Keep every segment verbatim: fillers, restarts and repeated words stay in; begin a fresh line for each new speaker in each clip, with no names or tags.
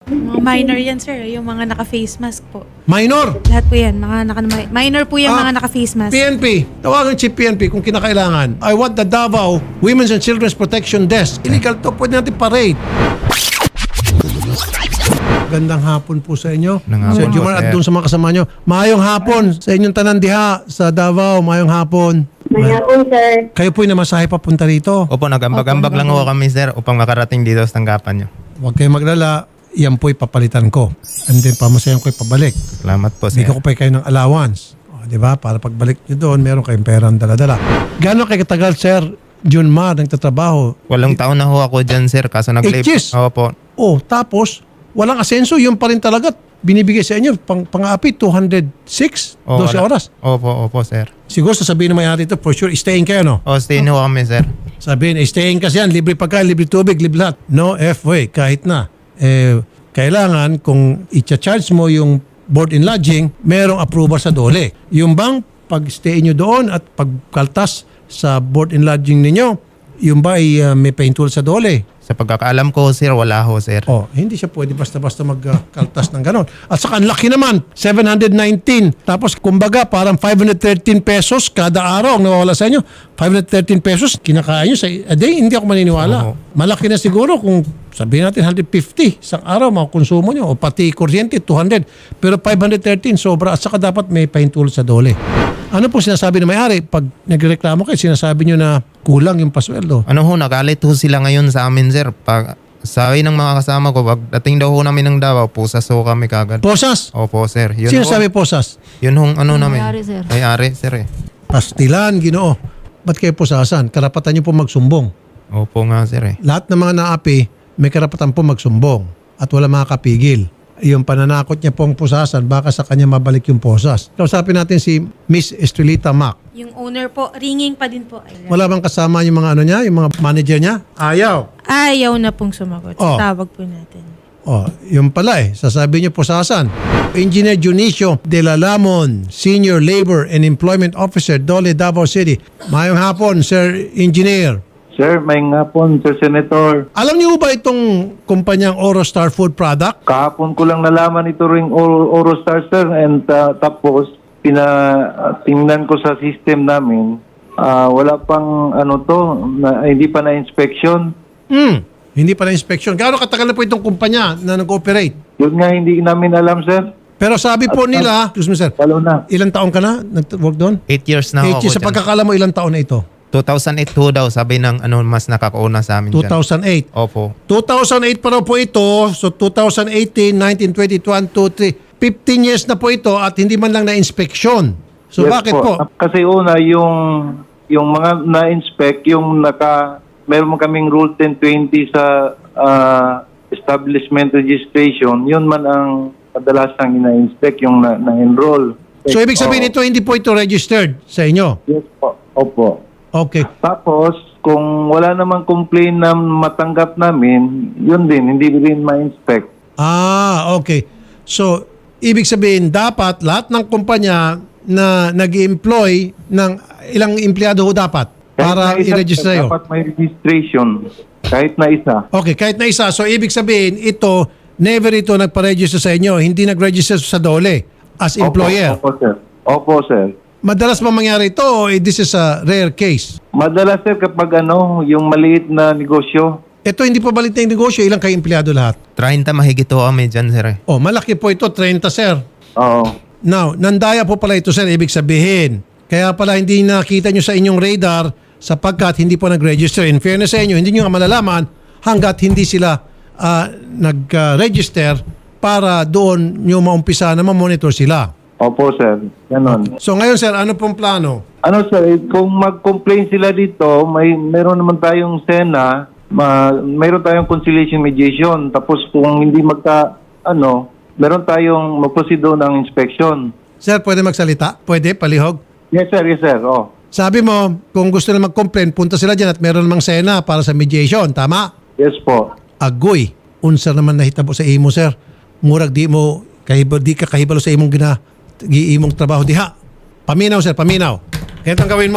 Mga minor yan, sir. Yung mga naka-face mask po.
Minor!
Lahat po yan. Mga naka minor po yung
Ah,
mga naka-face mask.
P N P, tawagan si P N P kung kinakailangan. I want the Davao Women's and Children's Protection Desk. Illegal to, pwede natin parade. Gandang hapon po sa inyo.
Nang
Sir
hapon po,
Jumar at
sir.
doon sa mga kasama nyo. Mayong hapon sa inyong tanan diha sa Davao. Mayong hapon.
Maya po, sir.
Kayo po'y namasahe papunta rito.
Opo, nag-ambag-ambag lang ho kami, sir, upang makarating dito sa tanggapan nyo.
Huwag kayong maglala. Yan po'y papalitan ko. And then pamasayan ko'y pabalik.
Salamat po, sir.
Bigyan ko pa kayo ng allowance. O, di ba? Para pagbalik nyo doon, meron kayong perang dala-dala. Gano'n kayo katagal, Sir Junmar, nagtatrabaho?
Walong taon na ho ako dyan, sir, kaso nag-live.
Eight years?
Opo.
Oh, tapos, walang asenso. Yun pa rin talaga. Binibigay sa inyo, pang, pang-api, two hundred six,
O,
twelve
wala.
oras.
Opo, opo, sir.
Siguro sasabihin ng may-ari ito, for sure, staying kayo, no?
O, stay ho kami, sir.
Sabihin, eh, staying kasi yan, libre pagkain, libre tubig, libre lahat. No F-way, kahit na. Eh, kailangan kung i-charge mo yung board and lodging, merong approval sa dole. Yung bang pag-stay nyo doon at pagkaltas sa board and lodging ninyo, yung ba ay uh, may paintul sa dole?
Sa pagkakaalam ko, sir, wala ho, sir.
Oh, hindi siya pwede basta-basta magkaltas ng ganon. At saka ang laki naman, seven hundred nineteen. Tapos kumbaga parang five hundred thirteen pesos kada araw ang nawawala sa inyo. five hundred thirteen pesos kinakain nyo sa a day. Hindi ako maniniwala.
Oo.
Malaki na siguro kung sabihin natin one hundred fifty isang araw mga konsumo nyo. O pati kuryente two hundred. Pero five hundred thirteen sobra. At saka dapat may paintulot sa dole. Ano po sinasabi ng may-ari? Pag nagreklamo kayo, sinasabi nyo na kulang yung pasweldo.
Ano ho, nagalit ho sila ngayon sa amin, sir. Pag sabi ng mga kasama ko, pag dating daw ho namin ng Davao, pusas ho kami kagad.
Posas!
Opo, sir. Yun
Sino
ho,
sabi posas?
Yun hong ano namin.
May-ari, sir.
May-ari, sir, eh.
Pastilan, ginoo. Ba't kayo posasan? Karapatan nyo po magsumbong.
Opo nga, sir, eh.
Lahat ng mga naapi, may karapatan po magsumbong at wala makakapigil. Yung pananakot niya pong pusasan, baka sa kanya mabalik yung posas. Kausapin natin si Miss Estrelita Mac.
Yung owner po, ringing pa din po. Ayan.
Wala bang kasama yung mga ano niya, yung mga manager niya? Ayaw.
Ayaw na pong sumagot.
Oh.
Tawag po natin.
Oh, yung pala eh, sasabi niyo pusasan. Engineer Junicio De La Lamon, Senior Labor and Employment Officer, Dole, Davao City. Mayong hapon, Sir Engineer.
Sir, may nga po, Sir Senator.
Alam niyo ba itong kumpanyang Orostar Food Product?
Kahapon ko lang nalaman ito ring Oro- Orostar, sir. And uh, tapos, pina, uh, tingnan ko sa system namin, uh, wala pang ano to, na, hindi pa na-inspection.
Hmm, hindi pa na inspection. Gaano katagal na po itong kumpanya na nag-ooperate?
Yun nga, hindi namin alam, sir.
Pero sabi po nila, excuse me sir,
Lalo na.
ilang taon ka na nag-work doon?
Eight years na ho
Eight
ako
years. Sa
dyan.
pagkakala mo, ilang taon na ito?
two thousand eight ho daw, sabi ng ano, mas nakakauna sa amin
two
dyan.
thousand eight.
Opo.
two thousand eight pa raw po ito. So two thousand eighteen, nineteen, twenty, twenty-one, twenty-three. fifteen years na po ito at hindi man lang na-inspeksyon. So
Yes
bakit po?
Kasi una, yung, yung mga na-inspect, yung naka, meron kaming Rule ten twenty sa uh, establishment registration, yun man ang kadalasang ina-inspect, yung na- na-enroll.
So ibig sabihin
Oo.
ito, hindi po ito registered sa inyo?
Yes po. Opo.
Okay.
Tapos, kung wala namang complaint na matanggap namin, yun din, hindi rin ma-inspect.
Ah, okay. So, ibig sabihin, dapat lahat ng kumpanya na nag-employ ng ilang empleyado ho dapat para
Kahit na isa,
i-register sa'yo?
dapat may registration. Kahit na isa.
Okay, kahit na isa. So, ibig sabihin, ito, never ito nagpa-register sa inyo. Hindi nag-register sa Dole as employer.
Opo, opo sir. Opo, sir.
Madalas ba mangyari ito o eh, this is a rare case?
Madalas, sir, kapag ano, yung maliit na negosyo,
Ito hindi pa balit na yung negosyo. Ilang kayo empleyado lahat?
thirty mahigit ho kami dyan, sir, eh.
Oh, malaki po ito. thirty, sir.
oo.
Now, nandaya po pala ito, sir. Ibig sabihin. Kaya pala hindi nakita nyo sa inyong radar sapagkat hindi po nag-register. In fairness sa inyo, hindi nyo nga malalaman hanggat hindi sila ah, nag-register para doon nyo maumpisa na ma-monitor sila.
Opo, sir. Ganon.
So ngayon, sir, ano pong plano?
Ano, sir, eh, kung mag-complain sila dito, may meron naman tayong SENA, ma, meron tayong conciliation mediation. Tapos kung hindi magka, ano, meron tayong mag-proceed doon ng inspection.
Sir, pwede magsalita? Pwede? Palihog?
Yes, sir. Yes, sir. Oh.
Sabi mo, kung gusto na mag-complain, punta sila dyan at meron namang sena para sa mediation. Tama?
Yes po.
Agoy. Unsa naman nahitabo sa imo, sir. Murag di mo, kahibalo, di ka kahibalo sa imong gina, giimong trabaho diha. Paminaw, sir, paminaw. Ganito ang gawin mo.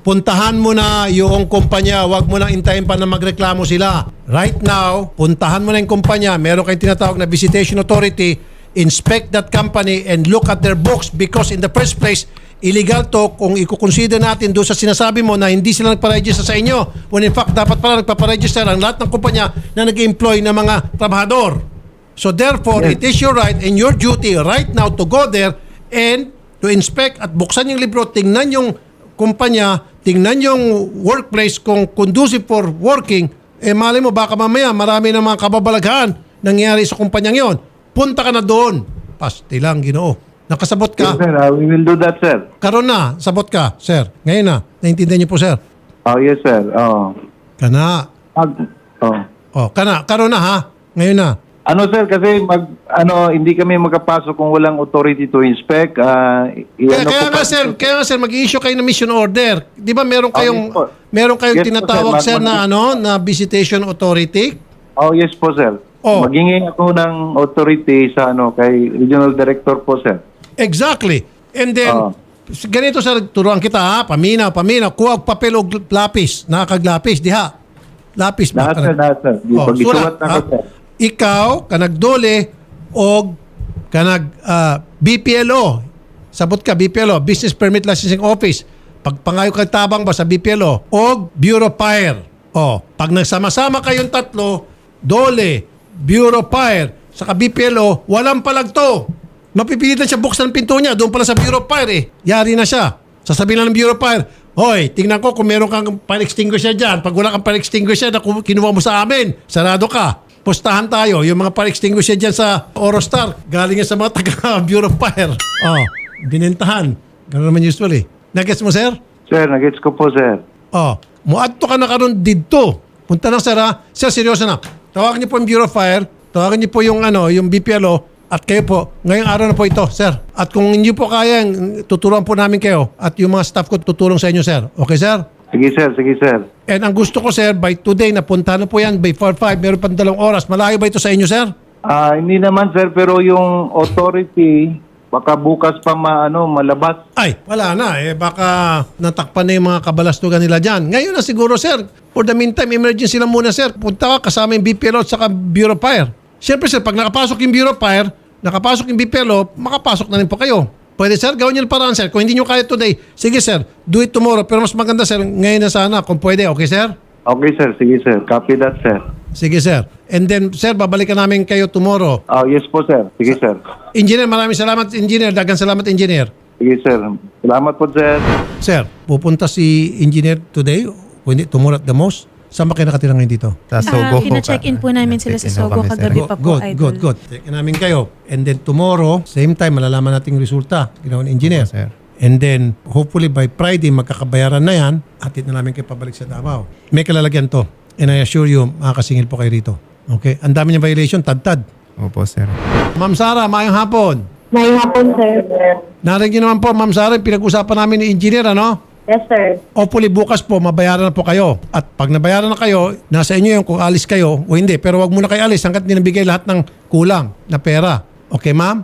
puntahan mo na yung kumpanya. Huwag mo nang intayin pa na magreklamo sila. Right now, puntahan mo na yung kumpanya. Meron kayong tinatawag na Visitation Authority. Inspect that company and look at their books because in the first place, illegal to kung i-consider natin doon sa sinasabi mo na hindi sila nagpa-register sa inyo. When in fact, dapat pala nagpa-register ang lahat ng kumpanya na nag-employ ng mga trabahador. So therefore,
Yes.
it is your right and your duty right now to go there and to inspect at buksan yung libro, tingnan yung kumpanya, tingnan yung workplace kung conducive for working, eh mali mo baka mamaya marami ng mga kababalaghan nangyari sa kumpanyang yon. Punta ka na doon. Pasti lang, Ginoo. Nakasabot
Yes,
ka?
sir. Uh, we will do that, sir.
Karon na, sabot ka, sir. Ngayon na. Naintindihan niyo po, sir.
Oh, yes, sir. Oh.
Kana.
Mag- oh.
Oh, kana. Karon na, ha? Ngayon na.
Ano sir, kasi mag ano hindi kami makapasok kung walang authority to inspect. Ah,
Kaya,
i-ano
kaya
po
nga,
pa-
sir, kaya nga, sir, mag-issue kayo ng mission order. Di ba meron kayong,
yes po.
meron kayong
Yes po,
tinatawag,
sir.
sir,
Mag-
na ano, na visitation authority?
Oh, yes po, sir.
Oh.
Maghingi ako ng authority sa ano kay regional director po, sir.
Exactly. And then,
Oo.
ganito, sir, turuan kita, ha? Paminaw, paminaw. Kuha og papel o lapis. Nakakaglapis, diha. Lapis ba?
Lahat, sir, lahat, sir. Di
Oh,
pag isulat
sulat,
na ko,
ha?
sir.
Ikaw, kanag dole, og kanag ah, B P L O. Sabot ka, B P L O, Business Permit Licensing Office. Pag pangayo ka tabang ba sa B P L O, og Bureau of Fire. O, pag nagsama-sama kayong tatlo, dole, Bureau of Fire, saka B P L O, walang palagto. Mapipilitan siya buksan ang pinto niya, doon pala sa Bureau of Fire eh. Yari na siya. Sasabihin lang ng Bureau of Fire, hoy, tingnan ko kung meron kang fire extinguisher dyan. Pag wala kang fire extinguisher na ku- kinuha mo sa amin, sarado ka. Pustahan tayo. Yung mga fire extinguisher dyan sa Orostar, galing yan sa mga taga Bureau of Fire. Oh, binentahan. Ganun naman usually. Nagets mo, sir?
Sir, nagets ko po, sir.
Oh, muadto ka na karon didto. Punta na, sir, ha? Sir, seryoso na. Tawagan niyo po yung Bureau of Fire. Tawagan niyo po yung, ano, yung B P L O. At kayo po, ngayong araw na po ito, sir. At kung hindi po kaya, tuturuan po namin kayo. At yung mga staff ko tutulong sa inyo, sir. Okay, sir?
Sige, sir. Sige, sir.
And ang gusto ko, sir, by today, napunta na po yan, by four five, meron pang dalawang oras. Malayo ba ito sa inyo, sir?
Ah, hindi naman, sir, pero yung authority, baka bukas pa maano, malabas.
Ay, wala na. Eh, baka natakpan na yung mga kabalastugan nila dyan. Ngayon na siguro, sir. For the meantime, emergency lang muna, sir. Punta ka kasama yung B P L O at saka Bureau of Fire. Siyempre, sir, pag nakapasok yung Bureau of Fire, nakapasok yung B P L O, makapasok na rin po kayo. Pwede, sir, gawin niyo yung paraan, sir. Kung hindi niyo kaya today, sige, sir, do it tomorrow. Pero mas maganda, sir, ngayon na sana, kung pwede. Okay, sir?
Okay, sir. Sige, sir. Copy that, sir.
Sige, sir. And then, sir, babalikan namin kayo tomorrow.
Oh, yes po, sir. Sige, sir.
Engineer, maraming salamat, engineer. Dagang salamat, engineer.
Sige, sir. Salamat po, sir.
Sir, pupunta si engineer today, o hindi, tomorrow at the most. Saan ba kayo nakatira ngayon dito?
Sa Sogo.
Ah, pina-check-in po namin sila sa
Check-in ho
Sogo
kami, sir.
kagabi pa po,
Good,
Idol.
good, good. Check namin kayo. And then tomorrow, same time, malalaman natin yung resulta. Ginawa ni engineer.
Opo, sir.
And then, hopefully by Friday, magkakabayaran na yan. Atid na namin kayo pabalik sa Davao. May kalalagyan to. And I assure you, makakasingil po kayo rito. Okay? Ang dami niyang violation, tad-tad.
Opo, sir.
Ma'am Sara, mayang hapon.
May hapon, sir.
Narinig niyo naman po, Ma'am Sara, yung pinag-usapan namin ni engineer, ano?
Yes, sir.
Hopefully bukas po, mabayaran na po kayo. At pag nabayaran na kayo, nasa inyo yung kung alis kayo o hindi. Pero wag muna kayo alis hanggat hindi nabigay lahat ng kulang na pera. Okay, ma'am?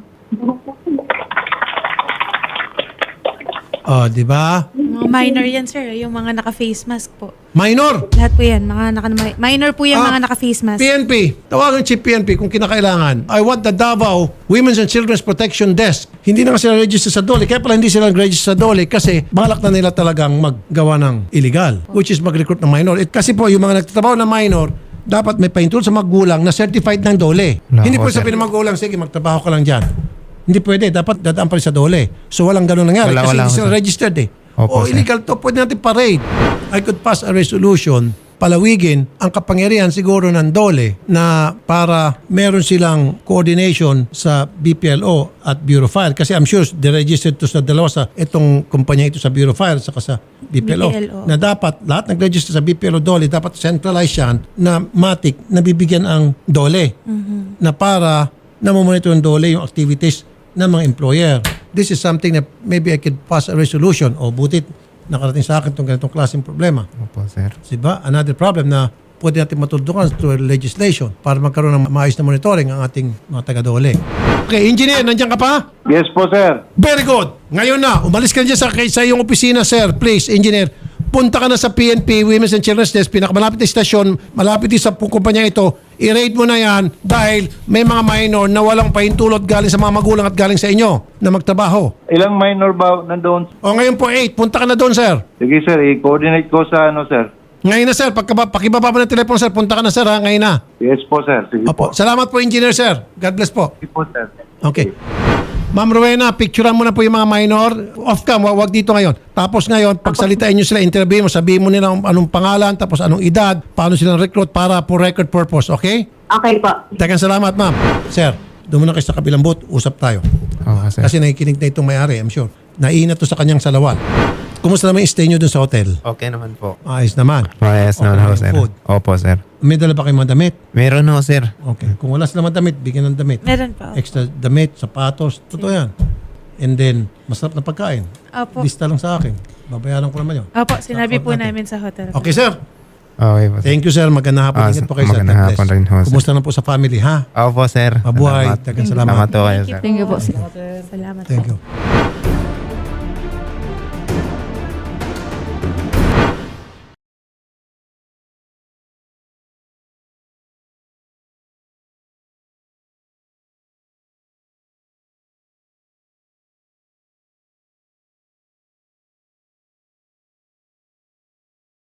Oh, di ba?
Mga minor yan, sir. Yung mga naka-face mask po.
Minor!
Lahat po yan. Mga naka, minor po yung
Ah,
mga naka-face mask.
P N P. Tawagan si P N P kung kinakailangan. I want the Davao Women's and Children's Protection Desk. Hindi na nga sila register sa D O L E. Kaya pala hindi sila register sa D O L E kasi balak na nila talagang maggawa ng illegal, which is mag-recruit ng minor. It, kasi po, yung mga nagtatrabaho na minor, dapat may paintulot sa magulang na certified ng D O L E.
No,
Hindi po
sir.
sabihin ng magulang, sige, magtrabaho ka lang dyan. Hindi pwede. Dapat dadaan pa rin sa D O L E. So walang ganun nangyari
Wala,
kasi
wala,
hindi sila
sir.
registered eh. o
Opo, sir.
illegal to, pwede natin parade. I could pass a resolution palawigin ang kapangyarihan siguro ng D O L E na para meron silang coordination sa B P L O at Bureau of Fire. Kasi I'm sure de-registered to sa dalawa sa itong kumpanya ito sa Bureau of Fire saka sa B P L O.
B P L O.
Na dapat lahat nag-register sa B P L O D O L E dapat centralize yan na matik na bibigyan ang D O L E na para namomonitor ng D O L E yung activities ng mga employer. This is something that maybe I could pass a resolution o butit nakarating sa akin itong ganitong klaseng problema.
Opo, sir.
Diba? Another problem na pwede natin matuldukan through legislation para magkaroon ng maayos na monitoring ang ating mga taga-D O L E. Okay, engineer, nandiyan ka pa?
Yes po, sir.
Very good. Ngayon na, umalis ka na dyan sa, sa iyong opisina, sir. Please, engineer. punta ka na sa P N P, Women's and Children's Desk, pinakamalapit na istasyon, malapit din sa kumpanya ito, i-rate mo na yan dahil may mga minor na walang pahintulot galing sa mga magulang at galing sa inyo na magtrabaho.
Ilang minor ba nandoon?
O ngayon po eight, punta ka na doon, sir.
Sige sir, i-coordinate ko sa ano sir.
Ngayon na, sir. Pagka, pakibaba mo ng telepono, sir, punta ka na, sir, ha? Ngayon na.
Yes po sir. Sige
Opo.
po.
Salamat po, engineer, sir. God bless po.
Sige po sir.
Okay. Ma'am Rowena, picturean mo na po yung mga minor. Off-cam, wag, wag dito ngayon. Tapos ngayon, pagsalitain nyo sila, interview mo, sabihin mo nila anong pangalan, tapos anong edad, paano silang recruit para for record purpose, okay?
Okay po.
Tegang salamat, ma'am. Sir, doon muna kayo sa kabilang booth, usap tayo.
Oo, sir.
Kasi nakikinig na itong may-ari, I'm sure. Naiinat to sa kanyang salawal. Kumusta naman yung stay nyo doon sa hotel?
Okay naman po.
Ayos naman.
Mayas
Okay
naman
na
ho,
yung
sir.
food.
Opo, sir.
May dala ba kayong mga damit?
Meron ho, sir.
Okay. Kung wala silang mga damit, bigyan ng damit.
Meron po.
Extra damit, sapatos, totoo yan. And then, masarap na pagkain.
Opo.
Lista lang sa akin. Babayaran ko naman yun.
Opo, sinabi
Sa
po
account natin.
namin sa hotel.
Okay, sir.
Okay po, sir.
Thank you, sir. Magandang hapon.
Ah,
Ingat po kayo, sir.
magandang
God bless.
hapon rin ho, sir.
Kumusta na po sa family, ha?
Opo, sir.
Mabuhay.
Salamat.
Dagang salamat.
Salamat po kayo, sir.
Thank you po, sir.
Salamat
Thank
po.
you.